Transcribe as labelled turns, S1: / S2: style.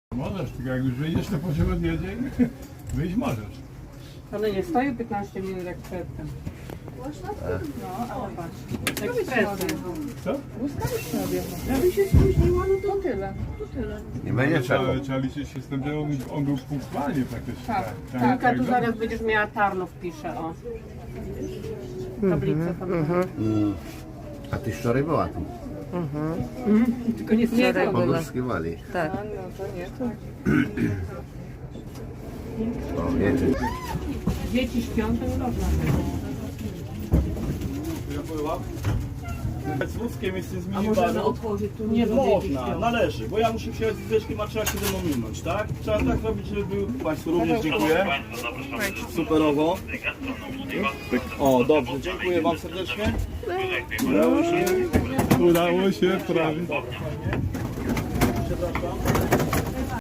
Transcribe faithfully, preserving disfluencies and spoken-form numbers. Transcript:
S1: Możesz, tylko jak już wyjdziesz, to po siłę odjedzie i wyjść możesz.
S2: Ale nie stoję piętnaście minut jak przedtem. No, ale patrz. Ekspresem.
S1: Co?
S2: Błyskawicznie odjechał. Jakby się spóźniła, no to tyle. To tyle.
S3: Nie będzie trzeba.
S1: Ale trzeba liczyć się z tym, że on, on był punktualnie praktycznie.
S2: Tak, tak, a tu zaraz będziesz miała Tarnów, pisze, o. Tablicę tam.
S3: Mm. A ty wczoraj była tu.
S2: Tylko nie
S4: Wczoraj
S2: wczoraj
S4: była.
S3: Pogórskiwali.
S4: Tak.
S2: No to nie, to...
S3: O, wiecie.
S2: Dzieci śpią, to nie można.
S5: Z wózkiem jest z
S2: A możemy
S5: minibaru.
S2: otworzyć tu
S5: Nie
S2: bo dzieci
S5: można,
S2: śpią.
S5: należy, bo ja muszę wsiąść z wyszkiem, a trzeba się ze mną minąć, tak? Trzeba tak robić, żeby był... Państwu również dziękuję. Superowo. O, dobrze, dziękuję Wam serdecznie.
S1: Udało się prawie.